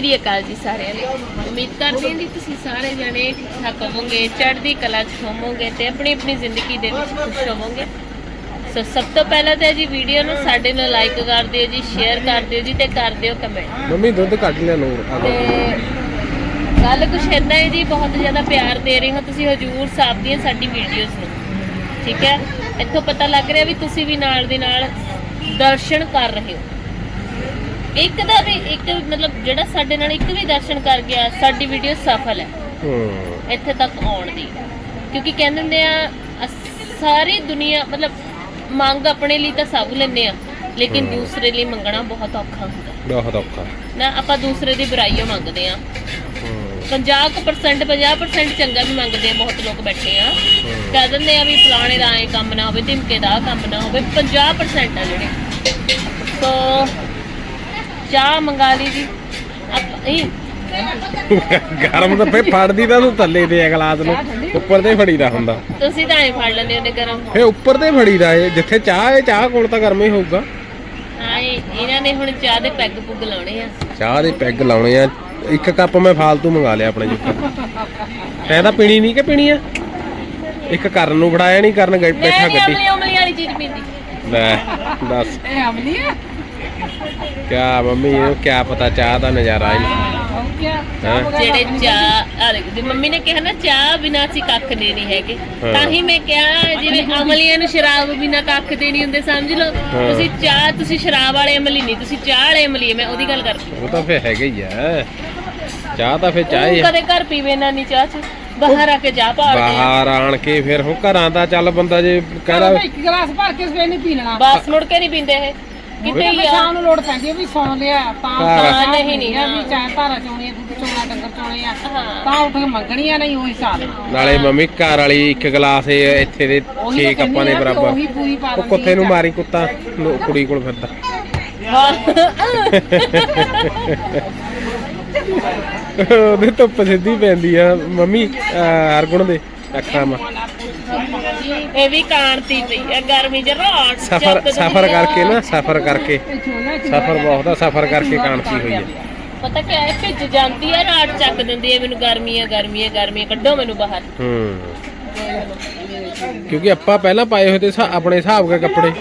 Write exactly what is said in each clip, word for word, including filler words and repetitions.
श्री अकाल जी सारे उम्मीद करते हैं जी तुसीं सारे जने ठीक ठाक होवोगे चढ़दी कला च होवोगे ते अपनी अपनी जिंदगी दे विच खुश होवोगे। सो सब तो पहला तो जी वीडियो नूं साडे नाल लाइक कर दिओ जी शेयर कर दिओ जी ते कर दिओ कमेंट। मम्मी दुध कट लिया नूर ते गल कुछ इदां है जी बहुत ज़्यादा प्यार दे रहे हो तुसीं हजूर साहब दी साडी वीडियोज़ नूं ठीक है। इत्थों पता लग रहा भी तुसीं भी नाल दे नाल दर्शन कर रहे हो। एक दा भी एक मतलब जेड़ा साडे नाल एक भी दर्शन कर गया साडी वीडियो सफल है इत्थे तक आउण दी क्योंकि कहंदे हुंदे आ सारी दुनिया मतलब मंग अपने लिए तो सब लेने आ लेकिन दूसरे लिए मंगना बहुत औखा हुंदा बहुत औखा ना आपां दूसरे दी बुराइयां मंगदे आ पचास परसेंट पचास परसेंट चंगा भी मंगदे बहुत लोग बैठे आ कह दिंदे आ भी फलाणे दा ऐ काम ना होवे धिमके दा काम ना होवे पचास परसेंट आ जेहड़े तो चाह मंगा ली जी गरम तो फे फड़दी दा तू थल्ले दे गलास नु ऊपर ते फड़ीदा हुंदा ਤੁਸੀਂ ਤਾਂ ਐ ਫੜ ਲੈਂਦੇ ਹੁੰਦੇ ਗਰਮ ਫੇ ਉੱਪਰ ਤੇ ਫੜੀਦਾ ਏ ਜਿੱਥੇ ਚਾਹ ਏ ਚਾਹ ਕੋਲ ਤਾਂ ਗਰਮ ਹੀ ਹੋਊਗਾ। ਹਾਂ ਇਹਨਾਂ ਨੇ ਹੁਣ ਚਾਹ ਦੇ ਪੈਗ ਪੁੱਗ ਲਾਉਣੇ ਆ ਚਾਹ ਦੇ ਪੈਗ ਲਾਉਣੇ ਆ ਇੱਕ ਕੱਪ ਮੈਂ ਫਾਲਤੂ ਮੰਗਾ ਲਿਆ ਆਪਣੇ ਜੁੱਕਾ ਤੈਂ ਤਾਂ ਪੀਣੀ ਨਹੀਂ ਕਿ ਪੀਣੀ ਆ ਇੱਕ ਕਰਨ ਨੂੰ ਫੜਾਇਆ ਨਹੀਂ ਕਰਨ ਗਈ ਬੈਠਾ ਗੱਡੀ ਅਮਲੀ ਅਮਲੀ ਵਾਲੀ ਚੀਜ਼ ਪੀਂਦੀ ਲੈ ਦੱਸ ਇਹ ਅਮਲੀ ਹੈ ਕਿਆ ਮੰਮੀ ਇਹ ਕਿਆ ਪਤਾ ਚਾਹ ਦਾ ਨਜ਼ਾਰਾ ਹੀ ਜਿਹੜੇ ਚਾਹ ਆ ਦੇਖੋ ਮੰਮੀ ਨੇ ਕਿਹਾ ਨਾ ਚਾਹ ਬਿਨਾਂ ਅਸੀਂ ਕੱਖ ਦੇ ਨਹੀਂ ਹੈਗੇ ਤਾਂ ਹੀ ਮੈਂ ਕਿਹਾ ਜਿਵੇਂ ਅਮਲੀਆਂ ਨੂੰ ਸ਼ਰਾਬ ਬਿਨਾਂ ਕੱਖ ਦੇ ਨਹੀਂ ਹੁੰਦੇ ਸਮਝ ਲਓ ਤੁਸੀਂ ਚਾਹ ਤੁਸੀਂ ਸ਼ਰਾਬ ਵਾਲੇ ਅਮਲੀ ਨਹੀਂ ਤੁਸੀਂ ਚਾਹ ਵਾਲੇ ਅਮਲੀ ਮੈਂ ਉਹਦੀ ਗੱਲ ਕਰਦੀ ਉਹ ਤਾਂ ਫੇ ਹੈਗਾ ਹੀ ਆ ਚਾਹ ਤਾਂ ਫੇ ਚਾਹ ਹੀ ਕਦੇ ਘਰ ਪੀਵੇ ਨਾ ਨਹੀਂ ਚਾਹ ਚ ਬਾਹਰ ਆ ਕੇ ਚਾਹ ਪਾੜਦੇ ਬਾਹਰ ਆਣ ਕੇ ਫਿਰ ਹੁਣ ਘਰਾਂ ਦਾ ਚੱਲ ਬੰਦਾ ਜੇ ਕਹਿੰਦਾ ਇੱਕ ਗਲਾਸ ਭਰ ਕੇ ਸਵੇਰ ਨਹੀਂ ਪੀ ਲੈਣਾ ਬਸ ਮੁੜ ਕੇ ਨਹੀਂ ਪੀਂਦੇ ਇਹ ਕਿਤੇ ਹੀ ਆ ਸ਼ਾਮ ਨੂੰ ਲੋੜ ਪੈਂਦੀ ਵੀ ਸੌਂ ਲਿਆ ਤਾਂ ਹਾਂ ਨਹੀਂ ਨਹੀਂ ਵੀ ਚਾਹ ਧਾਰਾ ਚੋਣੀ ਦੁੱਧ ਚੋਣਾ ਡੰਗਰ ਚੋਣੇ ਆ ਤਾਂ ਉੱਠ ਕੇ ਮੰਗਣੀਆਂ ਨਹੀਂ ਉਹੀ ਹਿਸਾਬ ਨਾਲੇ ਮੰਮੀ ਘਰ ਵਾਲੀ ਇੱਕ ਗਲਾਸ ਇੱਥੇ ਦੇ ਛੇ ਕੱਪਾਂ ਦੇ ਬਰਾਬਰ ਉਹੀ ਪੂਰੀ ਪਾ ਉਹ ਕੁੱਤੇ ਨੂੰ ਮਾਰੀ ਕੁੱਤਾ ਕੁੜੀ ਕੋਲ ਫਿਰਦਾ ਉਹਦੇ ਧੁੱਪ ਸਿੱਧੀ ਪੈਂਦੀ ਆ ਮੰਮੀ ਹਰਗੁਣ ਦੇ ਅੱਖਾਂ ਮਾ ਇਹ ਵੀ ਕਾਂਤੀ ਪਈ ਆ ਗਰਮੀ ਚ ਰਾਤ ਸਫਰ ਸਫਰ ਕਰਕੇ ਨਾ ਸਫਰ ਕਰਕੇ ਸਫਰ ਬਹੁਤ ਆ ਸਫਰ ਕਰਕੇ ਕਾਂਤੀ ਹੋਈ ਆ ਪਤਾ ਕੀ ਹੈ ਭਿੱਜ ਜਾਂਦੀ ਆ ਰਾਤ ਚੱਕ ਦਿੰਦੀ ਹੈ ਮੈਨੂੰ ਗਰਮੀ ਆ ਗਰਮੀ ਆ ਗਰਮੀ ਕੱਢੋ ਮੈਨੂੰ ਬਾਹਰ ਹੂੰ ਕਿਉਂਕਿ ਆਪਾਂ ਪਹਿਲਾਂ ਪਾਏ ਹੋਏ ਤੇ ਆਪਣੇ ਹਿਸਾਬ ਦੇ ਕੱਪੜੇ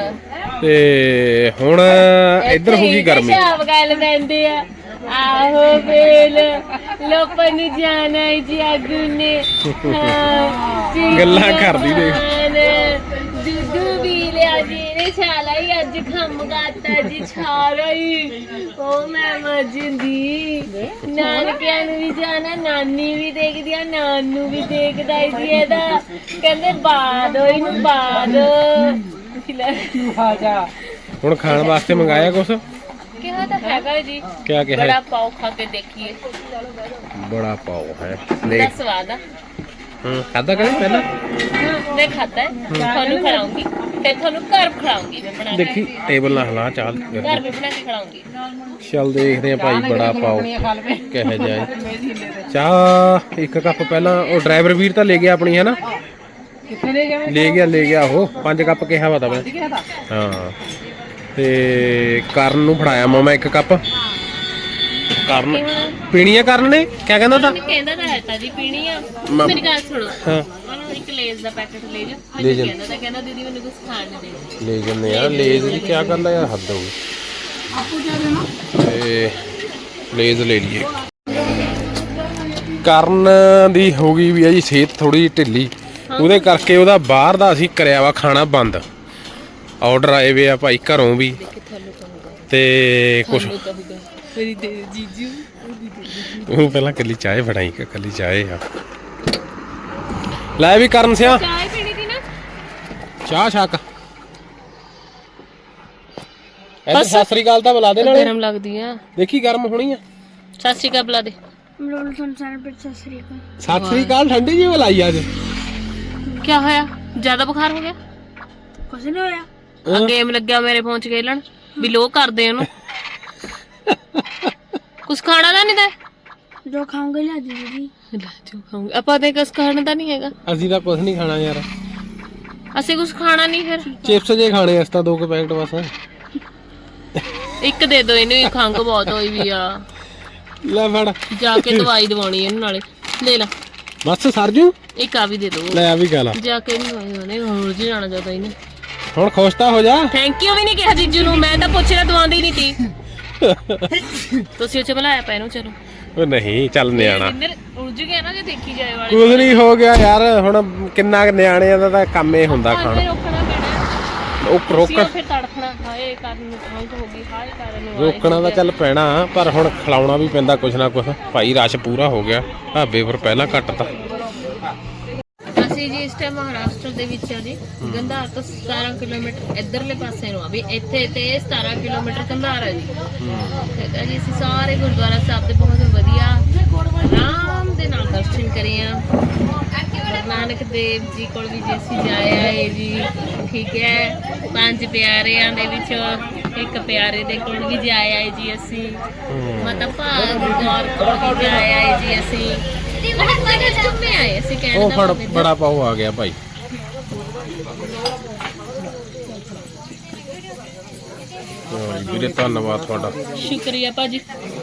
ਤੇ ਹੁਣ ਇੱਧਰ ਹੋ ਗਈ ਗਰਮੀ ਹਿਸਾਬ ਗੱਲ ਪੈਂਦੇ ਆ ਆਹੋ ਵੇਲ ਲੋਪਨ ਨੂੰ ਜਾਣਾ ਜੀ ਆਗੂ ਨੇ ਗੱਲਾਂ ਕਰਦੀ ਦੇਖ ਦੁੱਧੂ ਵੀ ਲਿਆ ਜੀ ਨੇ ਛਾਲਾ ਹੀ ਅੱਜ ਖੰਮ ਗਾਤਾ ਜੀ ਛਾਰਾ ਹੀ ਉਹ ਮੈਂ ਮਜਦੀ ਨਾਨਕਿਆਂ ਨੂੰ ਵੀ ਜਾਣਾ ਨਾਨੀ ਵੀ ਦੇਖਦੀ ਆ ਨਾਨੂ ਵੀ ਦੇਖਦਾ ਜੀ ਇਹਦਾ ਕਹਿੰਦੇ ਬਾਦ ਇਹਨੂੰ ਬਾਦ ਆ ਜਾ ਹੁਣ ਖਾਣ ਵਾਸਤੇ ਮੰਗਾਇਆ ਕੁਛ ਕਿਹਾ ਤਾਂ ਹੈਗਾ ਜੀ ਕਿਆ ਕਿਹਾ ਬੜਾ ਪਾਓ ਖਾ ਕੇ ਦੇਖੀਏ ਬੜਾ ਪਾਓ ਹੈ ਬੜਾ ਸਵਾਦ ਆ ਹੂੰ ਖਾਦਾ ਕਦੇ ਪਹਿਲਾਂ ਮੈਂ ਖਾਤਾ ਹੈ ਤੁਹਾਨੂੰ ਖਿਲਾਉਂਗੀ ਤੇ ਤੁਹਾਨੂੰ ਘਰ ਖਿਲਾਉਂਗੀ ਮੈਂ ਬਣਾ ਕੇ ਦੇਖੀ ਟੇਬਲ ਨਾਲ ਹਿਲਾ ਚਾਲ ਘਰ ਵੀ ਬਣਾ ਕੇ ਖਿਲਾਉਂਗੀ ਚੱਲ ਦੇਖਦੇ ਆ ਭਾਈ ਬੜਾ ਪਾਓ ਕਿਹੋ ਜਿਹਾ ਚਾਹ ਇੱਕ ਕੱਪ ਪਹਿਲਾਂ ਉਹ ਡਰਾਈਵਰ ਵੀਰ ਤਾਂ ਲੈ ਗਿਆ ਆਪਣੀ ਹੈ ਨਾ ਕਿੱਥੇ ਲੈ ਗਿਆ ਲੈ ਗਿਆ ਲੈ ਗਿਆ ਉਹ ਪੰਜ ਕੱਪ ਕਿਹਾ ਵਾ ਤਾਂ ਮੈਂ ਹਾਂ ਤੇ ਕਰਨ ਨੂੰ ਫੜਾਇਆ ਮਾਮਾ ਇੱਕ ਕੱਪ ਕਰਨ ਪੀਣੀ ਆ ਕਰਨ ਨੇ ਕਿਆ ਕਹਿੰਦਾ ਤਾਂ ਕਹਿੰਦਾ ਤਾਂ ਹੈ ਤਾਂ ਜੀ ਪੀਣੀ ਆ ਮੇਰੀ ਗੱਲ ਸੁਣੋ ਹਾਂ ਉਹਨੂੰ ਇੱਕ ਲੇਜ਼ ਦਾ ਪੈਕੇਟ ਲੈ ਜਾ ਲੈ ਜਾ ਕਹਿੰਦਾ ਤਾਂ ਕਹਿੰਦਾ ਦੀਦੀ ਮੈਨੂੰ ਕੁਝ ਖਾਣ ਨਹੀਂ ਦੇ ਲੈ ਜੰਨੇ ਆ ਲੇਜ਼ ਦੀ ਕਿਆ ਗੱਲ ਆ ਯਾਰ ਹੱਦ ਹੋ ਗਈ ਆਪੂ ਜਾ ਦੇਣਾ ਤੇ ਲੇਜ਼ ਲੈ ਲਈਏ ਕਰਨ ਦੀ ਹੋ ਗਈ ਵੀ ਆ ਜੀ ਸਿਹਤ ਥੋੜੀ ਢਿੱਲੀ ਉਹਦੇ ਕਰਕੇ ਉਹਦਾ ਬਾਹਰ ਦਾ ਅਸੀਂ ਕਰਿਆ ਵਾ ਖਾਣਾ ਬੰਦ ਆਰਡਰ ਆਏ ਵੇ ਆ ਭਾਈ ਘਰੋਂ ਵੀ ਤੇ ਕੁਛ ਜੀਜੂ ਉਹ ਪਹਿਲਾਂ ਕੱਲੀ ਚਾਹ ਬਣਾਈ ਕਿ ਕੱਲੀ ਚਾਹ ਆ ਲੈ ਵੀ ਕਰਨ ਸਿਆ ਚਾਹ ਪੀਣੀ ਦੀ ਨਾ ਚਾਹ ਛੱਕ ਇਹ ਸਤਿ ਸ੍ਰੀ ਅਕਾਲ ਤਾਂ ਬੁਲਾ ਦੇ ਨਾਲ ਗਰਮ ਲੱਗਦੀ ਆ ਦੇਖੀ ਗਰਮ ਹੋਣੀ ਆ ਸਤਿ ਸ਼੍ਰੀ ਅਕਾਲ ਬੁਲਾ ਦੇ ਮਲੋਲ ਸੰਸਾਰ ਪਰ ਸਤਿ ਸ੍ਰੀ ਅਕਾਲ ਸਤਿ ਸ੍ਰੀ ਅਕਾਲ ਠੰਡੀ ਜੀ ਬੁਲਾਈ ਅੱਜ ਕੀ ਹੋਇਆ ਜ਼ਿਆਦਾ ਬੁਖਾਰ ਹੋ ਗਿਆ ਕੁਛ ਨਹੀਂ ਹੋਇਆ ਆ ਗੇਮ ਲੱਗਿਆ ਮੇਰੇ ਫੋਨ 'ਚ ਖੇਲਣ ਵੀ ਲੋ ਕਰਦੇ ਉਹਨੂੰ ਕੁਝ ਖਾਣਾ ਤਾਂ ਨਹੀਂ ਦਾ ਜੋ ਖਾਉਂਗੇ ਲਿਆ ਦੇ ਦੀਦੀ ਜੋ ਖਾਉਂਗੇ ਆਪਾਂ ਤੇ ਕੁਝ ਖਾਣਾ ਤਾਂ ਨਹੀਂ ਹੈਗਾ ਅਸੀਂ ਤਾਂ ਕੁਝ ਨਹੀਂ ਖਾਣਾ ਯਾਰ ਅਸੀਂ ਕੁਝ ਖਾਣਾ ਨਹੀਂ ਫਿਰ ਚਿਪਸ ਜੇ ਖਾਣੇ ਅਸ ਤਾਂ ਦੋ ਕੇ ਪੈਕਟ ਬਸ ਇੱਕ ਦੇ ਦੋ ਇਹਨੂੰ ਖੰਗ ਬਹੁਤ ਹੋਈ ਵੀ ਆ ਲੈ ਫੜ ਜਾ ਕੇ ਦਵਾਈ ਦਵਾਉਣੀ ਇਹਨੂੰ ਨਾਲੇ ਲੈ ਲੈ ਬਸ ਸਰਜੂ ਇੱਕ ਆ ਵੀ ਦੇ ਦੋ ਲੈ ਆ ਵੀ ਗੱਲ ਜਾ ਕੇ ਇਹਨੂੰ ਦਵਾਈ ਦਵਾਉਣੀ ਹੋਰ ਜੀ ਜਾਣਾ ਜ਼ਿਆਦਾ ਇਹਨੇ ਹੁਣ ਖੁਸ਼ ਤਾਂ ਹੋ ਜਾ ਥੈਂਕ ਯੂ ਵੀ ਨਹੀਂ ਕਿਹਾ ਜੀਜੂ ਨੂੰ ਮੈਂ ਤਾਂ ਪੁੱਛਿਆ ਦਵਾਉਂਦੀ ਨਹੀਂ ਤੀ ਤੁਸੀਂ ਉੱਚ ਬੁਲਾਇਆ ਪੈ ਇਹਨੂੰ ਚਲੋ ਉਹ ਨਹੀਂ ਚੱਲ ਨਿਆਣਾ ਇੰਦਰ ਉਲਝ ਗਿਆ ਨਾ ਜੇ ਦੇਖੀ ਜਾਏ ਵਾਲੇ ਕੁਝ ਨਹੀਂ ਹੋ ਗਿਆ ਯਾਰ ਹੁਣ ਕਿੰਨਾ ਕੁ ਨਿਆਣਿਆਂ ਦਾ ਤਾਂ ਕੰਮ ਹੀ ਹੁੰਦਾ ਹਾਂ, ਖਾਣਾ ਫਿਰ ਰੋਕਣਾ ਪੈਣਾ ਉਹ ਰੋਕ ਸੀ ਫਿਰ ਤੜਫਣਾ ਹਾਏ ਕਰਨ ਨੂੰ ਹਾਲਤ ਹੋ ਗਈ ਹਾਏ ਕਰਨ ਨੂੰ ਆਏ ਰੋਕਣਾ ਤਾਂ ਚੱਲ ਪੈਣਾ ਪਰ ਹੁਣ ਖਿਲਾਉਣਾ ਵੀ ਪੈਂਦਾ ਕੁਛ ਨਾ ਕੁਛ ਭਾਈ ਰਸ਼ ਪੂਰਾ ਹੋ ਗਿਆ ਢਾਬੇ ਪਰ ਪਹਿਲਾਂ ਘੱਟ ਤਾ ਅਸੀਂ ਜੀ ਇਸ ਟਾਈਮ ਮਹਾਰਾਸ਼ਟਰ ਦੇ ਵਿੱਚ ਆ ਜੀ ਗੰਧਾਰ ਤੋਂ ਸਤਾਰਾਂ ਕਿਲੋਮੀਟਰ ਇਧਰਲੇ ਪਾਸੇ ਨੂੰ ਆ ਵੀ ਇੱਥੇ ਤੇ ਸਤਾਰਾਂ ਕਿਲੋਮੀਟਰ ਗੰਧਾਰ ਹੈ ਜੀ ਠੀਕ ਹੈ ਜੀ ਅਸੀਂ ਸਾਰੇ ਗੁਰਦੁਆਰਾ ਸਾਹਿਬ ਦੇ ਬਹੁਤ ਵਧੀਆ ਆਰਾਮ ਦੇ ਨਾਲ ਦਰਸ਼ਨ ਕਰੇ ਆ ਗੁਰੂ ਨਾਨਕ ਦੇਵ ਜੀ ਕੋਲ ਵੀ ਜੇ ਅਸੀਂ ਜਾਏ ਆਏ ਜੀ ਠੀਕ ਹੈ ਪੰਜ ਪਿਆਰਿਆਂ ਦੇ ਵਿੱਚੋਂ ਇੱਕ ਪਿਆਰੇ ਦੇ ਕੋਲ ਵੀ ਜਾਏ ਆਏ ਜੀ ਅਸੀਂ ਮਾਤਾ ਭਾਗ ਗੌਰ ਕੋਲ ਵੀ ਜਾਏ ਆਏ ਜੀ ਅਸੀਂ ਬਹੁਤ ਸਾਰੇ ਘੁੰਮੇ ਆਏ ਅਸੀਂ ਕਹਿਣ ਉਹ ਦਾ ਫੜ ਮਤਲਬ ਬੜਾ ਪਾਉ ਆ ਗਿਆ ਭਾਈ ਹਾਂ ਜੀ, ਵੀਰੇ ਧੰਨਵਾਦ ਤੁਹਾਡਾ ਸ਼ੁਕਰੀਆ ਭਾਜੀ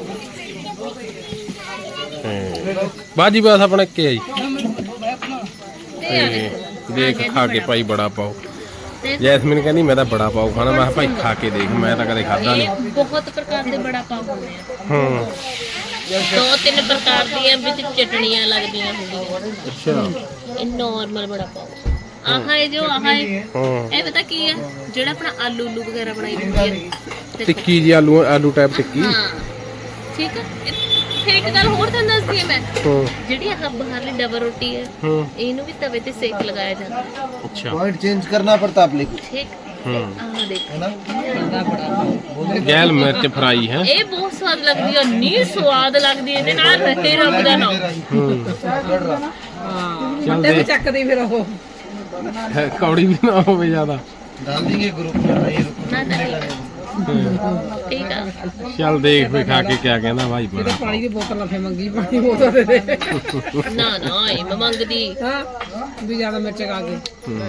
ਹਾਂ। ਬਾਜੀ ਬਸ ਆਪਣਾ ਕੀ ਆ ਜੀ ਇਹ ਆ ਤੇ ਦੇਖੋ ਦੇਖ ਖਾ ਕੇ ਭਾਈ ਬੜਾ ਪਾਉ ਤੇ ਜੈਸਮੀਨ ਕਹਿੰਦੀ ਮੈਂ ਤਾਂ ਬੜਾ ਪਾਉ ਖਾਣਾ ਮੈਂ ਕਿਹਾ ਭਾਈ ਖਾ ਕੇ ਦੇਖ ਮੈਂ ਤਾਂ ਕਦੇ ਖਾਦਾ ਨਹੀਂ ਇਹ ਬਹੁਤ ਪ੍ਰਕਾਰ ਦੇ ਬੜਾ ਪਾਉ ਹੁੰਦੇ ਆ ਹੂੰ ਦੋ ਤਿੰਨ ਪ੍ਰਕਾਰ ਦੀਆਂ ਵਿੱਚ ਚਟਣੀਆਂ ਲੱਗਦੀਆਂ ਹੁੰਦੀਆਂ ਅੱਛਾ ਇਹ ਨਾਰਮਲ ਬੜਾ ਪਾਉ ਆਹ ਹੈ ਜੋ ਆਹ ਹੈ ਹੂੰ ਇਹ ਪਤਾ ਕੀ ਹੈ ਜਿਹੜਾ ਆਪਣਾ ਆਲੂ ਉਲੂ ਵਗੈਰਾ ਬਣਾਈ ਹੁੰਦੀ ਹੈ ਦੇਖੋ। ਟਿੱਕੀ ਜੀ ਆਲੂ ਆਲੂ ਟਾਈਪ ਟਿੱਕੀ ਹਾਂ ਠੀਕ ਹੈ ਇਹ- ਫਿਰ ਇੱਕ ਗੱਲ ਹੋਰ ਤੁਹਾਨੂੰ ਦੱਸਦੀ ਹਾਂ ਮੈਂ ਹੂੰ ਜਿਹੜੀ ਆਹ ਬਾਹਰਲੀ ਡਬਲ ਰੋਟੀ ਹੈ ਹੂੰ ਇਹਨੂੰ ਵੀ ਤਵੇ ਤੇ ਸੇਕ ਲਗਾਇਆ ਜਾਂਦਾ ਹੈ ਅੱਛਾ पॉइंट चेंज करना पड़ता आप लेको ਠੀਕ ਹੂੰ ਆਹ ਦੇਖ है ना ਗੈਲ ਮਿਰਚ ਫਰਾਈ ਹੈ ਇਹ ਬਹੁਤ ਸਵਾਦ ਲੱਗਦੀ ਹੈ ਨੀ ਸਵਾਦ ਲੱਗਦੀ ਹੈ ਇਹਦੇ ਨਾਲ ਰਹੇ ਰੱਬ ਦਾ ਨਾਮ ਹੂੰ लड़ रहा ਚੱਲ ਦੇ ਚੱਕਦੀ ਫਿਰ ਉਹ ਕੌੜੀ ਵੀ ਨਾ ਹੋਵੇ ਜ਼ਿਆਦਾ डाल देंगे ग्रुप में भाई रुको ਨਾ ਨਾ ਠੀਕ ਆ ਚੱਲ ਦੇਖ ਵੀ ਖਾ ਕੇ ਕਿਆ ਕਹਿੰਦਾ ਭਾਈ ਬੜਾ ਪਾਣੀ ਦੀ ਬੋਤਲ ਨਾ ਫੇ ਮੰਗੀ ਪਾਣੀ ਬੋਤਲ ਦੇ ਦੇ ਨਾ ਨਾ ਇਹ ਮੈਂ ਮੰਗਦੀ ਹਾਂ ਵੀ ਜ਼ਿਆਦਾ ਮਿਰਚ ਖਾ ਕੇ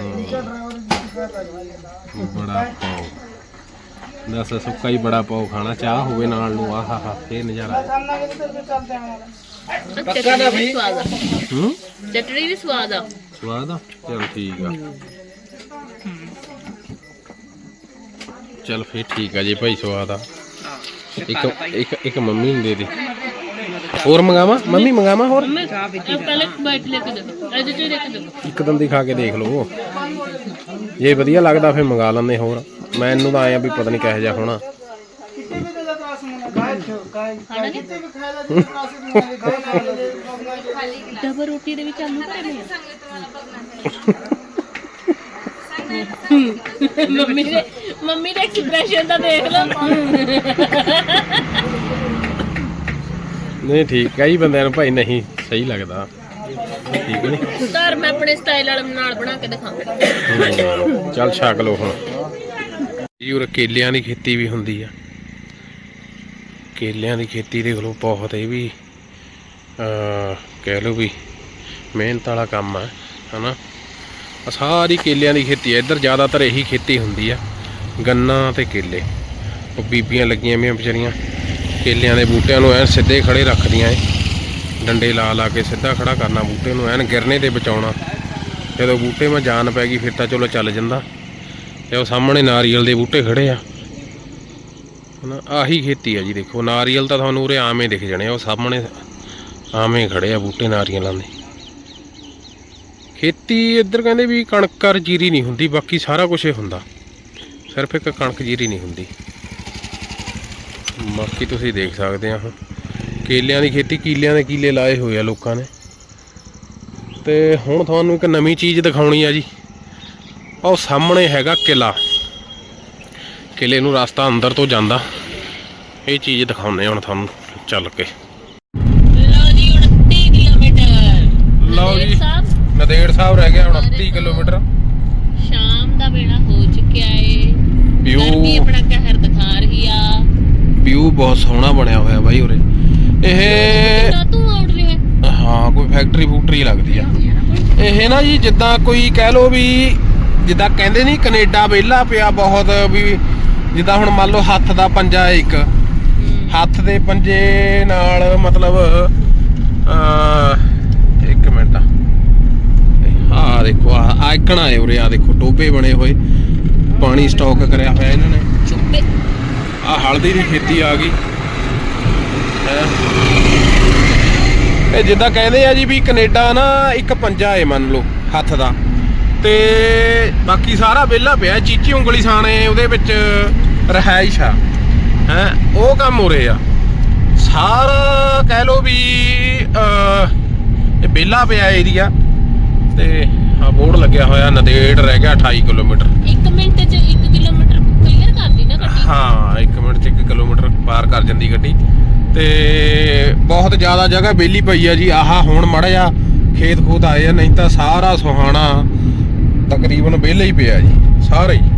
ਹੂੰ ਬੜਾ ਪਾਓ ਦੱਸ ਸੁੱਕਾ ਹੀ ਬੜਾ ਪਾਓ ਖਾਣਾ ਚਾਹ ਹੋਵੇ ਨਾਲ ਨੂੰ ਆਹਾ ਹਾ ਫੇਰ ਨਜ਼ਾਰਾ ਚਟਣੀ ਵੀ ਸਵਾਦ ਆ ਹੂੰ ਚਟਣੀ ਵੀ ਸਵਾਦ ਆ ਸਵਾਦ ਆ ਚਲ ਠੀਕ ਆ ਚਲ ਫੇਰ ਠੀਕ ਆ ਜੀ ਭਾਈ ਸਵਾਦ ਆ ਇੱਕ ਇੱਕ ਇੱਕ ਮੰਮੀ ਨੂੰ ਦੇ ਦੇ ਹੋਰ ਮੰਗਾਵਾ ਮੰਮੀ ਮੰਗਾਵਾ ਹੋਰ ਚਾਹ ਪੀਤੀ ਪਹਿਲੇ ਬਾਈਟ ਲੈ ਕੇ ਦੇਖੋ ਇਹਦੇ ਚ ਲੈ ਕੇ ਦੇਖੋ ਇੱਕ ਦੰਦੀ ਖਾ ਕੇ ਦੇਖ ਲਓ ਜੇ ਵਧੀਆ ਲੱਗਦਾ ਫੇਰ ਮੰਗਾ ਲੈਂਦੇ ਹੋਰ ਮੈਨੂੰ ਤਾਂ ਆਇਆ ਵੀ ਪਤਾ ਨਹੀਂ ਕਿਹੋ ਜਿਹਾ ਹੋਣਾ ਖਾਣਾ ਜੀ ਡਬਲ ਰੋਟੀ ਦੇ ਵਿੱਚ ਆਲੂ ਭਰੇ ਨੇ ਮੰਮੀ ਦੇ ਮੰਮੀ ਦਾ ਐਕਸਪ੍ਰੈਸ਼ਨ ਤਾਂ ਦੇਖ ਲਓ ਨਹੀਂ ਠੀਕ ਕਈ ਬੰਦਿਆਂ ਨੂੰ ਭਾਈ ਨਹੀਂ ਸਹੀ ਲੱਗਦਾ ਠੀਕ ਨਹੀਂ ਸਰ ਮੈਂ ਆਪਣੇ ਸਟਾਈਲ ਵਾਲੇ ਨਾਲ ਬਣਾ ਕੇ ਦਿਖਾਵਾਂ ਚੱਲ ਛਕ ਲਓ ਹੁਣ ਜੀ ਉਰੇ ਕੇਲਿਆਂ ਦੀ ਖੇਤੀ ਵੀ ਹੁੰਦੀ ਆ ਕੇਲਿਆਂ ਦੀ ਖੇਤੀ ਦੇਖ ਲਓ ਬਹੁਤ ਇਹ ਵੀ ਅਹ, ਕਹਿ ਲਓ ਵੀ ਮਿਹਨਤ ਵਾਲਾ ਕੰਮ ਆ ਹਨਾ ਆਹ ਸਾਰੀ ਕੇਲਿਆਂ ਦੀ ਖੇਤੀ ਆ ਇੱਧਰ ਜ਼ਿਆਦਾਤਰ ਇਹੀ ਖੇਤੀ ਹੁੰਦੀ ਆ ਗੰਨਾ ਤੇ ਕੇਲੇ ਉਹ ਬੀਬੀਆਂ ਲੱਗੀਆਂ ਵੀਆਂ ਵਿਚਾਰੀਆਂ ਕੇਲਿਆਂ ਦੇ ਬੂਟਿਆਂ ਨੂੰ ਐਨ ਸਿੱਧੇ ਖੜੇ ਰੱਖਦੀਆਂ ਏ ਡੰਡੇ ਲਾ ਲਾ ਕੇ ਸਿੱਧਾ ਖੜਾ ਕਰਨਾ ਬੂਟੇ ਨੂੰ ਐਨ ਗਿਰਨੇ ਤੇ ਬਚਾਉਣਾ ਜਦੋਂ ਬੂਟੇ 'ਮਾ ਜਾਨ ਪੈ ਗਈ ਫਿਰ ਤਾਂ ਚਲੋ ਚੱਲ ਜਾਂਦਾ ਤੇ ਉਹ ਸਾਹਮਣੇ ਨਾਰੀਅਲ ਦੇ ਬੂਟੇ ਖੜੇ ਆ ਹਨਾ ਆਹੀ ਖੇਤੀ ਆ ਜੀ ਦੇਖੋ ਨਾਰੀਅਲ ਤਾਂ ਤੁਹਾਨੂੰ ਉਰੇ ਆਵੇਂ ਦਿਖ ਜਾਣੇ ਉਹ ਸਾਹਮਣੇ ਆਵੇਂ ਖੜੇ ਆ ਬੂਟੇ ਨਾਰੀਅਲਾਂ ਦੇ ਖੇਤੀ ਇੱਧਰ ਕਹਿੰਦੇ ਵੀ ਕਣਕ ਔਰ ਜੀਰੀ ਨਹੀਂ ਹੁੰਦੀ ਬਾਕੀ ਸਾਰਾ ਕੁਝ ਹੀ ਹੁੰਦਾ ਸਿਰਫ ਇੱਕ ਕਣਕ ਜੀਰੀ ਨਹੀਂ ਹੁੰਦੀ ਬਾਕੀ ਤੁਸੀਂ ਦੇਖ ਸਕਦੇ ਆ ਕੇਲਿਆਂ ਦੀ ਖੇਤੀ ਕੀਲਿਆਂ ਦੇ ਕੀਲੇ ਲਾਏ ਹੋਏ ਆ ਲੋਕਾਂ ਨੇ ਤੇ ਹੁਣ ਤੁਹਾਨੂੰ ਇੱਕ ਨਵੀਂ ਚੀਜ਼ ਦਿਖਾਉਣੀ ਆ ਜੀ ਉਹ ਸਾਹਮਣੇ ਹੈਗਾ ਕਿਲਾ ਕਿਲੇ ਨੂੰ ਰਸਤਾ ਅੰਦਰ ਤੋਂ ਜਾਂਦਾ ਇਹ ਚੀਜ਼ ਦਿਖਾਉਂਦੇ ਹੁਣ ਤੁਹਾਨੂੰ ਚੱਲ ਕੇ ਲਓ ਜੀ ਉਨੱਤੀ ਕਿਲੋਮੀਟਰ ਲਓ ਜੀ ਸਾਹਿਬ ਨਦੇੜ ਸਾਹਿਬ ਰਹਿ ਗਿਆ ਉਨੱਤੀ ਕਿਲੋਮੀਟਰ ਸ਼ਾਮ ਦਾ ਵੇਲਾ ਹੋ ਚੁੱਕਿਆ ਏ ਵਿਊ ਗਰਮੀ ਆਪਣਾ ਕਹਿਰ ਦਿਖਾ ਰਹੀ ਆ ਵਿਊ ਬਹੁਤ ਸੋਹਣਾ ਬਣਿਆ ਹੋਇਆ ਬਾਈ ਉਰੇ ਇਹ ਤਾਂ ਤੂੰ ਆਉਟ ਰਿਹਾ ਹਾਂ ਕੋਈ ਫੈਕਟਰੀ ਫੂਕਟਰੀ ਲੱਗਦੀ ਆ ਇਹ ਨਾ ਜੀ ਜਿੱਦਾਂ ਕੋਈ ਕਹਿ ਲੋ ਵੀ ਜਿੱਦਾਂ ਕਹਿੰਦੇ ਨਹੀਂ ਕੈਨੇਡਾ ਵਿਹਲਾ ਪਿਆ ਬਹੁਤ ਵੀ ਜਿੱਦਾਂ ਹੁਣ ਮੰਨ ਲਓ ਹੱਥ ਦਾ ਪੰਜਾ ਇੱਕ ਹੱਥ ਦੇ ਪੰਜੇ ਨਾਲ ਮਤਲਬ ਅਹ ਇੱਕ ਮਿੰਟ ਆਹ ਦੇਖੋ ਆ ਆਇਕਣਾ ਹੈ ਉਰੇ, ਆ ਦੇਖੋ ਟੋਬੇ ਬਣੇ ਹੋਏ, ਪਾਣੀ ਸਟਾਕ ਕਰਿਆ ਹੋਇਆ ਇਹਨਾਂ ਨੇ। ਚੁੱਪੇ ਆ ਹਲਦੀ ਦੀ ਖੇਤੀ ਆ ਗਈ ਹੈ। ਇਹ ਜਿੱਦਾਂ ਕਹਿੰਦੇ ਆ ਜੀ ਵੀ ਕੈਨੇਡਾ ਨਾ ਇੱਕ ਪੰਜਾ ਏ ਮੰਨ ਲਓ ਹੱਥ ਦਾ, ਤੇ ਬਾਕੀ ਸਾਰਾ ਵਿਹਲਾ ਪਿਆ, ਚੀਚੀ ਉਂਗਲੀ ਸਾਣੇ ਉਹਦੇ ਵਿੱਚ ਰਿਹਾਇਸ਼ ਆ ਹੈ, ਉਹ ਕੰਮ ਹੋ ਰਹੇ ਆ ਸਾਰਾ ਕਹਿ ਲਓ ਵੀ ਇਹ ਵਿਹਲਾ ਪਿਆ ਏਰੀਆ। ਤੇ ਆ ਬੋਰਡ ਲੱਗਿਆ ਹੋਇਆ ਨੰਦੇੜ ਰਹਿ ਗਿਆ ਅਠਾਈ ਕਿਲੋਮੀਟਰ। ਇੱਕ ਮਿੰਟ 'ਚ ਇੱਕ ਕਿਲੋਮੀਟਰ ਕਲੀਅਰ ਕਰਦੀ ਨਾ ਗੱਡੀ। ਹਾਂ ਇੱਕ ਮਿੰਟ 'ਚ ਇੱਕ ਕਿਲੋਮੀਟਰ ਪਾਰ ਕਰ ਜਾਂਦੀ ਗੱਡੀ। ਤੇ ਬਹੁਤ ਜ਼ਿਆਦਾ ਜਗ੍ਹਾ ਵਿਹਲੀ ਪਈ ਆ ਜੀ। ਆਹ ਹੁਣ ਮਾੜਾ ਜਿਹਾ ਖੇਤ ਖੂਤ ਆਏ ਆ, ਨਹੀਂ ਤਾਂ ਸਾਰਾ ਸੁਹਾਣਾ ਤਕਰੀਬਨ ਵਿਹਲਾ ਹੀ ਪਿਆ ਜੀ ਸਾਰਾ ਹੀ।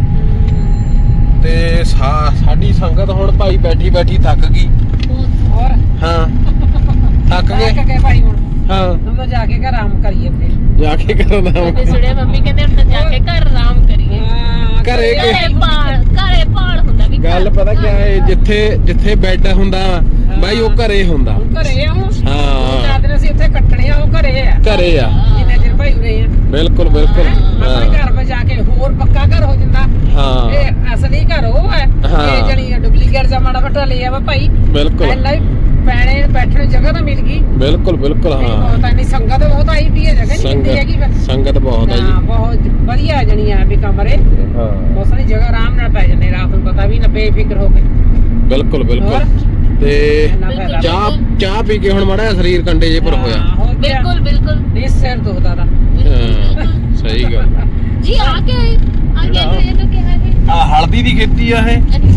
ਤੇ ਸਾ- ਸਾਡੀ ਸੰਗਤ ਹੁਣ ਭਾਈ ਬੈਠੀ ਬੈਠੀ ਥੱਕ ਗਈ। ਹੋਰ ਹਾਂ ਥੱਕ ਗਏ। ਕੇ ਭਾਈ ਹੁਣ ਹਾਂ ਹਮ ਤਾਂ ਜਾ ਕੇ ਘਰ ਆਰਾਮ ਕਰੀਏ ਫਿਰ। ਜਾ ਕੇ ਕਰਨਾ ਤੇ ਸੁਣਿਆ ਮੰਮੀ ਕਹਿੰਦੇ ਹੁਣ ਤਾਂ ਜਾ ਕੇ ਘਰ ਆਰਾਮ ਕਰੀਏ। ਹਾਂ, ਘਰੇ ਕੇ ਘਰੇ ਭਾਲ ਘਰੇ ਭਾਲ ਹੁੰਦਾ ਵੀ ਗੱਲ ਪਤਾ ਕਿਆ ਹੈ, ਜਿੱਥੇ ਜਿੱਥੇ ਬੈੱਡ ਹੁੰਦਾ ਬਾਈ ਉਹ ਘਰੇ ਹੁੰਦਾ। ਹੁਣ ਘਰੇ ਆ ਹੁਣ। ਹਾਂ ਚਾਦਰ ਅਸੀਂ ਉੱਥੇ ਕੱਟਣੇ ਆ, ਉਹ ਘਰੇ ਆ ਘਰੇ ਆ ਜਿੰਨੇ ਚਿਰ ਭਾਈ ਉਰੇ ਆ। ਬਿਲਕੁਲ ਬਿਲਕੁਲ। ਆਪਣੇ ਹਾਂ ਘਰ 'ਤੇ ਜਾ ਕੇ ਹੋਰ ਪੱਕਾ ਘਰ ਹੋ ਜਾਂਦਾ। ਹਾਂ ਇਹ ਅਸਲੀ ਘਰ ਉਹ ਹੈ, ਹਾਂ। ਇਹ ਜਣੀ ਡੁਪਲੀਕੇਟ ਜਾਂ ਮਾੜਾ ਮੋਟਾ ਲਿਆ ਵਾ ਭਾਈ। ਬਿਲਕੁਲ ਪਹਿਲਾਂ ਹੀ ਪੈਣੇ ਬੈਠਣ ਨੂੰ ਜਗ੍ਹਾ ਤਾਂ ਮਿਲ ਗਈ। ਬਿਲਕੁਲ ਬਿਲਕੁਲ। ਹਾਂ ਬਹੁਤ ਇੰਨੀ ਸੰਗਤ ਬਹੁਤ ਆਈ ਵੀ ਹੈ, ਜਗ੍ਹਾ ਨਹੀਂ ਮਿਲਦੀ ਹੈਗੀ ਫਿਰ। ਸੰਗਤ ਸੰਗਤ ਬਹੁਤ ਆ ਹਾਂ ਜੀ। ਬਹੁਤ ਵਧੀਆ ਜਣੀ ਆ ਵੀ ਕਮਰੇ, ਹਾਂ ਬਹੁਤ ਸਾਰੀ ਜਗ੍ਹਾ ਆਰਾਮ ਨਾਲ ਪੈ ਜਾਂਦੇ, ਰਾਤ ਨੂੰ ਪਤਾ ਵੀ ਨਾ ਬੇਫਿਕਰ ਹੋ ਕੇ। ਬਿਲਕੁਲ ਬਿਲਕੁਲ। ਤੇ ਇੰਨਾ ਫਾਇਦਾ। ਚਾਹ ਚਾਹ ਪੀ ਕੇ ਹੁਣ ਮਾੜਾ ਜਿਹਾ ਸਰੀਰ ਕੰਡੇ ਜੇ ਪਰ ਹੋਇਆ। ਹਾਂ, ਹੋਰ ਕੀ ਆ? ਬਿਲਕੁਲ ਬਿਲਕੁਲ ਨਹੀਂ ਸਿਰ ਦੁਖਦਾ ਦਾ। ਹਾਂ ਸਹੀ ਗੱਲ। ਜੀ ਆ ਕੇ ਆਏ ਆ ਕੇ ਇਹ ਤਾਂ ਕਿਹਾ ਹੈ। ਆ ਹਲਦੀ ਦੀ ਖੇਤੀ ਆ ਇਹ। ਅੱਛਾ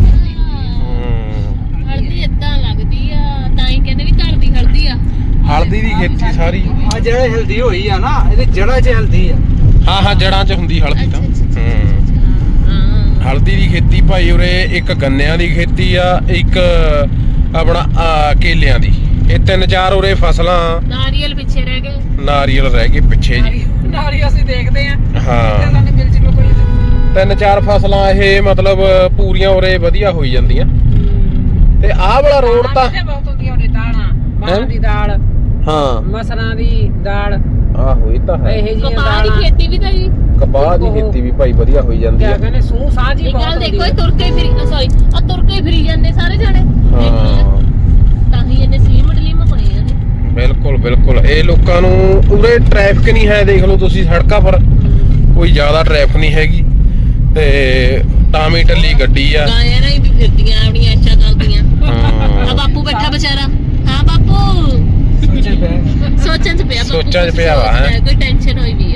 ਹੂੰ ਹਲਦੀ ਏਦਾਂ ਲੱਗਦੀ ਆ, ਤਾਂ ਹੀ ਕਹਿੰਦੇ ਵੀ ਘਰ ਦੀ ਹਲਦੀ ਆ। ਹਲਦੀ ਦੀ ਖੇਤੀ ਸਾਰੀ। ਆ ਜਿਹੜਾ ਹਲਦੀ ਹੋਈ ਆ ਨਾ, ਇਹਦੇ ਜੜ੍ਹਾਂ 'ਚ ਹਲਦੀ ਆ। ਹਾਂ ਹਾਂ ਜੜਾਂ 'ਚ ਹੁੰਦੀ ਹਲਦੀ ਤਾਂ। ਅੱਛਾ, ਅੱਛਾ, ਹੂੰ ਹਾਂ ਹਲਦੀ ਦੀ ਖੇਤੀ ਭਾਈ ਉਰੇ ਇੱਕ ਗੰਨਿਆਂ ਦੀ ਖੇਤੀ ਆ, ਇੱਕ ਆਪਣਾ ਆਹ ਕੇਲਿਆਂ ਦੀ। ਇਹ ਤਿੰਨ ਚਾਰ ਉਰੇ ਫਸਲਾਂ। ਨਾਰੀਅਲ ਪਿੱਛੇ ਰਹਿ ਗਏ। ਨਾਰੀਅਲ ਰਹਿ ਗਏ ਪਿੱਛੇ ਜੀ। ਨਾਰੀ ਅਸੀਂ ਦੇਖਦੇ ਆ। ਹਾਂ ਇਹਨਾਂ ਨੇ ਮਿਲ ਜਿਵੇਂ ਕੋਈ। ਤਿੰਨ ਚਾਰ ਫਸਲਾਂ ਇਹ ਮਤਲਬ ਪੂਰੀਆਂ ਉਰੇ ਵਧੀਆ ਹੋਈ ਜਾਂਦੀਆਂ। ਤੇ ਆਹ ਵਾਲਾ ਰੋਡ ਤਾਂ ਦਾਲਾਂ ਬਹੁਤ ਹੁੰਦੀਆਂ ਨੇ, ਦਾਲਾਂ ਮਾਂ ਦੀ ਦਾਲ, ਹਾਂ ਮਸਰਾਂ ਦੀ ਦਾਲ, ਆਹੋ ਇਹ ਤਾਂ ਹੈ। ਇਹ ਜਿਹੀਆਂ ਕਪਾਹ ਦੀ ਦਾਲਾਂ। ਖੇਤੀ ਵੀ ਤਾਂ ਜੀ ਕਪਾਹ ਦੀ ਖੇਤੀ ਵੀ ਭਾਈ ਵਧੀਆ ਹੋਈ ਜਾਂਦੀ ਕਿਆ ਆ। ਕਹਿੰਦੇ ਸੂਹ ਸਾਹ ਜੀ ਇਹ ਬਹੁਤ ਗੱਲ ਹੁੰਦੀ ਦੇਖੋ, ਹੈ। ਇਹ ਤੁਰ ਕੇ ਫਿਰੀ ਸੌਰੀ ਆ ਤੁਰ ਕੇ ਫਿਰੀ ਜਾਂਦੇ ਸਾਰੇ ਜਾਣੇ। ਹਾਂ ਤਾਂ ਹੀ ਇਹਨੇ ਸਲੀਮ ਡਲੀਮ ਹੋਣੇ ਆ ਨੇ। ਬਿਲਕੁਲ ਬਿਲਕੁਲ। ਇਹ ਲੋਕਾਂ ਨੂੰ ਉਰੇ ਟ੍ਰੈਫਿਕ ਨਹੀਂ ਹੈ, ਦੇਖ ਲਓ ਤੁਸੀਂ ਸੜਕਾਂ ਪਰ ਕੋਈ ਜ਼ਿਆਦਾ ਟ੍ਰੈਫਿਕ ਨਹੀਂ ਹੈਗੀ। ਤੇ ਟਾਮੀ ਟੱਲੀ ਗੱਡੀ ਆ। ਗਾਇਆਂ ਨਾਲ ਹੀ ਵੀ ਫਿਰਦੀਆਂ ਆਪਣੀਆਂ ਅੱਛਾ ਕਰਦੀਆਂ। ਹਾਂ ਆ ਬਾਪੂ ਬੈਠਾ ਵਿਚਾਰਾ। ਹਾਂ ਬਾਪੂ ਸੋਚਣ ਚ ਪਿਆ। ਬਾਪੂ ਸੋਚਾਂ 'ਚ ਕੁਛ ਪਿਆ ਵਾ, ਹੈਂ। ਸੋਚਦਾ, ਕੋਈ ਟੈਨਸ਼ਨ ਹੋਈ ਵੀ ਆ।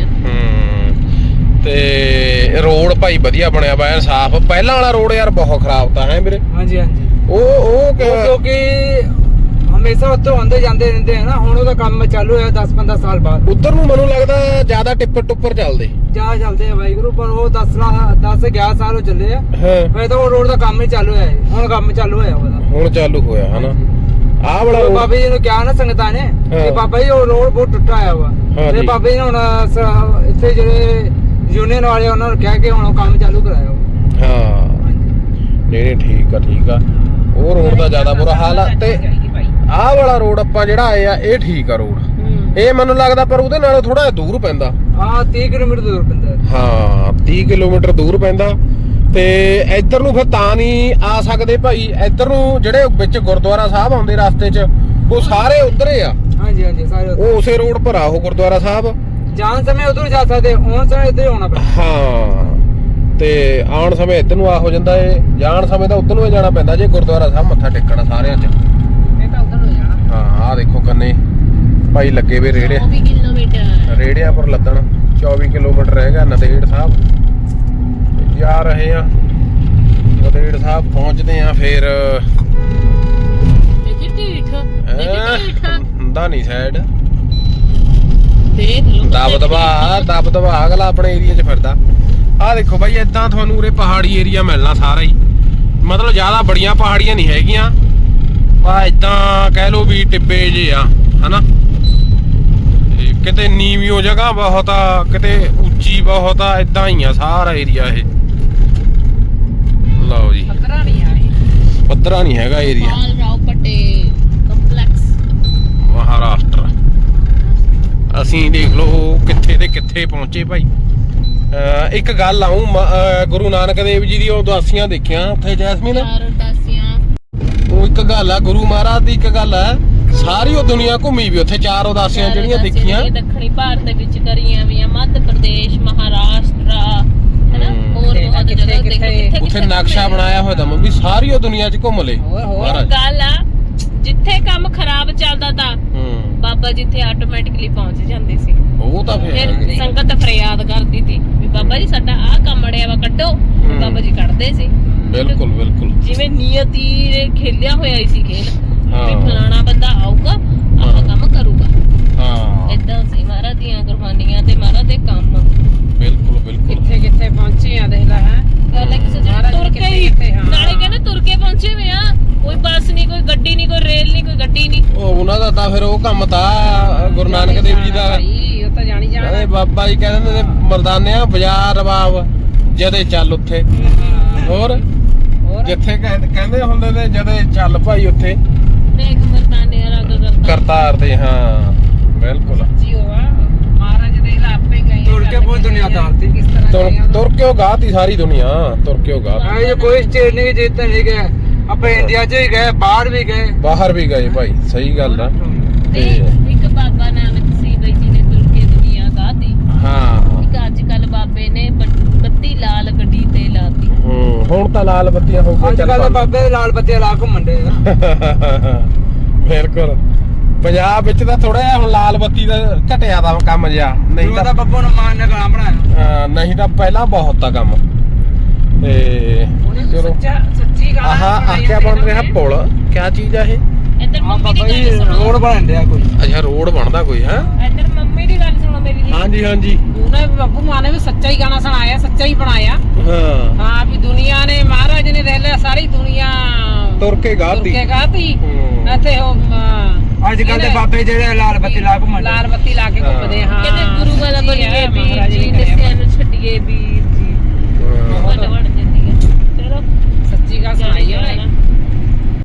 ਹੂੰ ਤੇ ਰੋਡ ਭਾਈ ਵਧੀਆ ਬਣਿਆ ਵਾ ਐਨ ਸਾਫ਼। ਪਹਿਲਾਂ ਵਾਲਾ ਰੋਡ ਯਾਰ ਬਹੁਤ ਖਰਾਬ ਤਾਂ ਹੈ ਵੀਰੇ। ਹਾਂਜੀ ਹਾਂਜੀ। ਉਹ ਉਹ ਕਿ- ਕਿਉਂਕਿ ਹਮੇਸ਼ਾ ਉੱਥੋਂ ਆਉਂਦੇ ਜਾਂਦੇ ਰਹਿੰਦੇ ਆ ਨਾ, ਹੁਣ ਉਹਦਾ ਕੰਮ ਚਾਲੂ ਹੋਇਆ ਦਸ ਪੰਦਰਾਂ ਸਾਲ ਬਾਅਦ। ਉੱਧਰ ਨੂੰ ਮੈਨੂੰ ਲੱਗਦਾ ਜ਼ਿਆਦਾ ਟਿੱਪਰ ਟੁੱਪਰ ਚੱਲਦੇ। ਜਾ ਚੱਲਦੇ ਆ ਵਾਹਿਗੁਰੂ, ਪਰ ਉਹ ਦਸ ਦਸ ਗਿਆਰਾਂ ਸਾਲ ਹੋ ਚੱਲੇ ਆ। ਹਾਂ ਮੈਂ ਤਾਂ ਉਹ ਰੋਡ ਦਾ ਕੰਮ ਹੀ ਚਾਲੂ ਹੋਇਆ ਹੈ, ਹੁਣ ਕੰਮ ਚਾਲੂ ਹੋਇਆ ਉਹਦਾ। ਹੁਣ ਚਾਲੂ ਹੋਇਆ ਹਨਾ। ਆਹ ਵਾਲਾ ਉਹ road- ਬਾਬਾ ਜੀ ਨੂੰ ਕਿਹਾ ਨਾ ਸੰਗਤਾਂ ਨੇ ਕਿ ਹਾਂ। ਬਾਬਾ ਜੀ ਉਹ ਰੋਡ ਬਹੁਤ ਟੁੱਟਾ ਹੋਇਆ ਵਾ। ਹਾਂ ਤੇ ਜੀ। ਬਾਬਾ ਜੀ ਨੇ ਹੁਣ ਸ- ਇੱਥੇ ਜਿਹੜੇ ਯੂਨੀਅਨ ਵਾਲੇ ਉਹਨਾਂ ਨੂੰ ਕਹਿ ਕੇ ਹੁਣ ਉਹ ਕੰਮ ਚਾਲੂ ਕਰਾਇਆ ਵਾ। ਹਾਂ ਨਹੀਂ ਨਹੀਂ ਠੀਕ ਆ ਠੀਕ ਆ। ਉਹ ਰੋਡ ਦਾ ਜ਼ਿਆਦਾ ਬੁਰਾ ਹਾਲ ਆ। ਤੇ ਆਹ ਵਾਲਾ ਰੋਡ ਆਪਾਂ ਜਿਹੜਾ ਆਏ ਆ ਇਹ ਠੀਕ ਆ ਰੋਡ। ਇਹ ਮੈਨੂੰ ਲੱਗਦਾ ਪਰ ਉਹਦੇ ਨਾਲੋਂ ਥੋੜਾ ਦੂਰ ਪੈਂਦਾ। ਹਾਂ ਤੀਹ ਕਿਲੋਮੀਟਰ ਦੂਰ ਪੈਂਦਾ ਹੈ। ਹਾਂ ਤੀਹ ਕਿਲੋਮੀਟਰ ਦੂਰ ਪੈਂਦਾ। ਤੇ ਇੱਧਰ ਨੂੰ ਫਿਰ ਤਾਂ ਨਹੀਂ ਆ ਸਕਦੇ ਭਾਈ। ਇੱਧਰ ਨੂੰ ਜਿਹੜੇ ਵਿੱਚ ਗੁਰਦੁਆਰਾ ਸਾਹਿਬ ਆਉਂਦੇ ਰਸਤੇ 'ਚ ਉਹ ਸਾਰੇ ਉਧਰ ਆ। ਹਾਂਜੀ ਹਾਂਜੀ ਸਾਰੇ ਉੱਧਰ। ਉਹ ਉਸੇ ਰੋਡ ਪਰ ਆ ਉਹ ਗੁਰਦੁਆਰਾ ਸਾਹਿਬ। ਜਾਣ ਸਮੇਂ ਉਧਰ ਜਾ ਸਕਦੇ, ਆਉਣ ਸਮੇਂ ਇੱਧਰ ਹੀ ਆਉਣਾ ਪੈਂਦਾ। ਹਾਂ ਤੇ ਆਉਣ ਸਮੇਂ ਇੱਧਰ ਨੂੰ ਆ ਹੋ ਜਾਂਦਾ ਏ, ਜਾਣ ਸਮੇਂ ਤਾਂ ਉੱਧਰ ਨੂੰ ਹੀ ਜਾਣਾ ਪੈਂਦਾ ਜੇ ਗੁਰਦੁਆਰਾ ਸਾਹਿਬ ਮੱਥਾ ਟੇਕਣਾ ਸਾਰਿਆਂ 'ਚ। ਇਹ ਤਾਂ ਉਧਰ ਹੋ ਜਾਣਾ। ਹਾਂ ਆਹ ਦੇਖੋ ਕੰਨੇ ਭਾਈ ਲੱਗੇ ਵੇ ਰੇੜੇ ਚੌਵੀ ਕਿਲੋਮੀਟਰ ਰੇੜਿਆਂ ਪਰ ਲੱਦਣ। ਚੌਵੀ ਕਿਲੋਮੀਟਰ ਰਹਿ ਗਿਆ ਨੰਦੇੜ ਸਾਹਿਬ। ਤੇ ਜਾ ਰਹੇ ਆ ਨੰਦੇੜ ਸਾਹਿਬ, ਪਹੁੰਚਦੇ ਆ ਫਿਰ ਦੇਖੀ ਢੀਠ ਦੇਖੀ ਢੀਠ ਹੁੰਦਾ ਨਹੀਂ ਸਾਈਡ ਦੇਖ ਲਓ ਦਬ ਦਬਾ ਦਬ ਦਬਾ ਅਗਲਾ ਆਪਣੇ ਏਰੀਆ 'ਚ ਫਿਰਦਾ। ਆਹ ਦੇਖੋ ਬਾਈ ਏਦਾਂ ਤੁਹਾਨੂੰ ਉਰੇ ਪਹਾੜੀ ਏਰੀਆ ਮਿਲਣਾ ਸਾਰਾ ਹੀ। ਮਤਲਬ ਜ਼ਿਆਦਾ ਬੜੀਆਂ ਪਹਾੜੀਆਂ ਨਹੀਂ ਹੈਗੀਆਂ, ਆ ਏਦਾਂ ਕਹਿ ਲਓ ਵੀ ਟਿੱਬੇ ਜੇ ਆ ਹਨਾ। ਤੇ ਕਿਤੇ ਨੀਵੀਂ ਜਗ੍ਹਾ ਬਹੁਤ ਆ, ਕਿਤੇ ਉੱਚੀ ਬਹੁਤ ਆ, ਏਦਾਂ ਹੀ ਆ ਸਾਰਾ ਏਰੀਆ ਇਹ। ਲਓ ਜੀ ਪੱਧਰਾ ਨਹੀਂ ਆ ਇਹ। ਪੱਧਰਾ ਨਹੀਂ ਹੈਗਾ ਏਰੀਆ। ਪਾਲ ਰਾਓ ਮਹਾਰਾਸ਼ਟਰ। ਅਸੀਂ ਦੇਖ ਲਓ ਕਿੱਥੇ ਤੇ ਕਿੱਥੇ ਪਹੁੰਚੇ ਭਾਈ। ਅਹ ਇੱਕ ਗੱਲ ਆਉਂ ਗੁਰੂ ਨਾਨਕ ਦੇਵ ਜੀ ਦੀ ਉਦਾਸੀਆਂ ਦੇਖਿਆ ਉੱਥੇ ਜੈਸਮੀਨ। ਚਾਰ ਉਦਾਸੀਆਂ ਉਹ ਇੱਕ ਗੱਲ ਆ ਗੁਰੂ ਮਹਾਰਾਜ ਦੀ, ਇੱਕ ਗੱਲ ਆ ਸਾਰੀ ਉਹ ਦੁਨੀਆ ਘੁੰਮੀ ਵੀ ਉੱਥੇ ਚਾਰ ਉਦਾਸੀਆਂ ਜਿਹੜੀਆਂ ਦੇਖੀਆਂ। ਦੱਖਣੀ ਭਾਰਤ ਦੇ ਵਿੱਚ ਕਰੀਆਂ ਵੀ ਆ, ਮੱਧ ਪ੍ਰਦੇਸ਼, ਮਹਾਰਾਸ਼ਟਰ ਹੈਨਾ, ਹੋਰ ਬਹੁਤ ਜਗ੍ਹਾ ਦੇਖੇ। ਉੱਥੇ ਨਕਸ਼ਾ ਬਣਾਇਆ ਹੋਇਆ ਤਾਂ ਮੰਮੀ ਸਾਰੀ ਉਹ ਦੁਨੀਆ 'ਚ ਘੁੰਮ ਲੇ ਮਹਾਰਾਜ। ਗੱਲ ਆ ਜਿੱਥੇ ਕੰਮ ਖਰਾਬ ਚੱਲਦਾ ਤਾਂ ਹੂੰ ਬਾਬਾ ਜਿੱਥੇ ਆਟੋਮੈਟਿਕਲੀ ਪਹੁੰਚ ਜਾਂਦੇ ਸੀ। ਉਹ ਤਾਂ ਫਿਰ ਫਿਰ ਸੰਗਤ ਫਰਿਆਦ ਕਰਦੀ ਸੀ ਵੀ ਬਾਬਾ ਜੀ ਸਾਡਾ ਆਹ ਕੰਮ ਅੜਿਆ ਵਾ ਕੱਢੋ, ਬਾਬਾ ਜੀ ਕੱਢਦੇ ਸੀ। ਬਿਲਕੁਲ ਬਿਲਕੁਲ ਜਿਵੇਂ ਨਿਯਤੀ ਨੇ ਖੇਲਿਆ ਹੋਇਆ ਹੀ ਸੀ ਖੇਲ ਵੀ ਹਾਂ ਫਲਾਣਾ ਬੰਦਾ ਆਊਗਾ ਆਹ ਕੰਮ ਕਰੂਗਾ। ਹਾਂ ਏਦਾਂ ਸੀ ਮਹਾਰਾਜ ਦੀਆਂ ਕੁਰਬਾਨੀਆਂ ਤੇ ਮਹਾਰਾਜ ਦੇ ਕੰਮ। ਬਿਲਕੁਲ ਬਿਲਕੁਲ ਕਿੱਥੇ ਕਿੱਥੇ ਪਹੁੰਚੇ ਆ ਦੇਖ ਲੈ ਹੈ। ਗੱਲ ਹੈ ਕਿਸੇ ਮਹਾਰਾਜ ਤੁਰ ਕੇ ਹੀ ਕਿੱਥੇ- ਹਾਂ। ਨਾਲੇ ਕਹਿੰਦੇ ਤੁਰ ਕੇ ਪਹੁੰਚੇ ਹੋਏ ਆ, ਕੋਈ ਬੱਸ ਨਹੀਂ, ਕੋਈ ਗੱਡੀ ਨਹੀਂ, ਕੋਈ ਰੇਲ ਨਹੀਂ, ਕੋਈ ਗੱਡੀ ਨਹੀਂ। ਉਹ ਉਹਨਾਂ ਦਾ ਤਾਂ ਫਿਰ ਉਹ ਕੰਮ ਤਾਂ ਗੁਰੂ ਨਾਨਕ ਦੇਵ ਜੀ ਦਾ। ਭਾਈ ਉਹ ਤਾਂ ਜਾਣੀ ਜਾਣਾ। ਕਹਿੰਦੇ ਬਾਬਾ ਜੀ ਕਹਿੰਦੇ ਨੇ ਮਰਦਾਨਿਆਂ ਬਾਜ਼ਾਰ ਰਬਾਬ ਜਦੇ ਚੱਲ ਉੱਥੇ। ਹੋਰ ਹੋਰ ਜਿੱਥੇ ਕਹਿੰਦੇ ਕਹਿੰਦੇ ਹੁੰਦੇ ਨੇ ਜਦੇ ਚੱਲ ਭਾਈ ਉੱਥੇ ਦੇਖ ਮਰਦਾਨੇ ਰੰਗ ਕਰਤਾ ਕਰਤਾਰ ਤੇ। ਹਾਂ ਬਿਲਕੁਲ ਜੀ ਹੋਆ ਮਹਾਰਾਜ ਦੇ ਲਾ ਆਪੇ ਗਏ ਤੁਰ ਕੇ ਬਹੁਤ ਦੁਨੀਆ ਤਾਰਤੀ। ਕਿਸ ਤਰ੍ਹਾਂ ਤੁਰ ਗਏ ਆ। ਤੁਰ ਕੇ ਉਹ ਗਾਤੀ ਸਾਰੀ ਦੁਨੀਆ ਤੁਰ ਕੇ ਉਹ ਗਾਤੀ। ਇਹ ਕੋਈ ਸਟੇਟ ਨਹੀਂ ਜਿੱਤੇ ਨਹੀਂ ਗਏ, ਆਪਾਂ ਇੰਡੀਆ 'ਚ ਵੀ ਗਏ, ਬਾਹਰ ਵੀ ਗਏ। ਬਾਹਰ ਵੀ ਗਏ ਭਾਈ, ਸਹੀ ਗੱਲ ਆ। ਤੇ ਇੱਕ ਬਾਬਾ ਨਾਨਕ ਸੀ ਬਈ ਜੀ ਨੇ ਤੁਰ ਕੇ ਦੁਨੀਆ ਗਾਤੀ। ਹਾਂ ਇੱਕ ਅੱਜ ਕੱਲ ਬਾਬੇ ਨੇ ਬ- ਬੱਤੀ ਲਾਲ ਗੱਡੀ ਤੇ ਲਾਤੀ। ਹੂੰ ਹੁਣ ਤਾਂ ਲਾਲ ਬੱਤੀਆਂ ਹੋ ਗਈਆਂ ਅੱਜ ਚੱਲ ਕੱਲ ਪਾ- ਬਾਬੇ ਦੇ ਲਾਲ ਬੱਤੀ ਲਾ ਘੁੰਮਣ ਦੇ ਆ। ਬਿਲਕੁਲ ਪੰਜਾਬ ਵਿੱਚ ਤਾਂ ਥੋੜਾ ਜਿਹਾ ਹੁਣ ਲਾਲ ਬੱਤੀ ਦਾ ਘਟਿਆ ਦਾ ਕੰਮ ਜਿਆ, ਨਹੀਂ ਉਹਦਾ ਤਾਂ ਬੱਬੂ ਨੂੰ ਮਾਨ ਨੇ ਗਾਣਾ ਬਣਾਇਆ। ਹਾਂ, ਨਹੀਂ ਤਾਂ ਪਹਿਲਾਂ ਬਹੁਤ ਆ ਕੰਮ। ਤੇ ਚਲੋ ਸੱਚਾ ਸੱਚੀ ਗੱਲ ਆਹ ਆਖਿਆ ਬਣ ਰਿਹਾ ਪੁਲ, ਕਿਆ ਚੀਜ਼ ਆ ਇਹ? ਇੱਧਰ ਆ ਮੰਮੀ ਬਾਬਾ ਦੀ ਜੀ ਗੱਲ ਸੁਣੋ, ਰੋਡ ਬਣ ਰਿਹਾ ਕੋਈ। ਅੱਛਾ ਰੋਡ ਬਣਦਾ ਕੋਈ ਹੈ? ਇੱਧਰ ਮੰਮੀ ਦੀ ਗੱਲ ਸੁਣੋ ਮੇਰੀ ਜੀ। ਹਾਂਜੀ ਹਾਂਜੀ ਉਹਨੇ ਬੱਬੂ ਮਾਂ ਨੇ ਵੀ ਸੱਚਾ ਹੀ ਗਾਣਾ ਸੁਣਾਇਆ, ਸੱਚਾ ਹੀ ਬਣਾਇਆ। ਹਾਂ ਹਾਂ ਵੀ ਦੁਨੀਆ ਨੇ ਮਹਾਰਾਜ ਨੇ ਦੇਖ ਲਿਆ ਸਾਰੀ ਦੁਨੀਆ ਤੁਰ ਕੇ ਗਾਤੀ। ਤੁਰ ਕੇ ਗਾਤੀ। ਹੂੰ। ਇੱਥੇ ਉਹ ਅਮ, ਅੱਜ ਕੱਲ ਦੇ ਬਾਬੇ ਜਿਹੜੇ ਲਾਲ ਬੱਤੀ ਲਾ ਘੁੰਮਣ ਦੇ। ਲਾਲ ਬੱਤੀ ਲਾ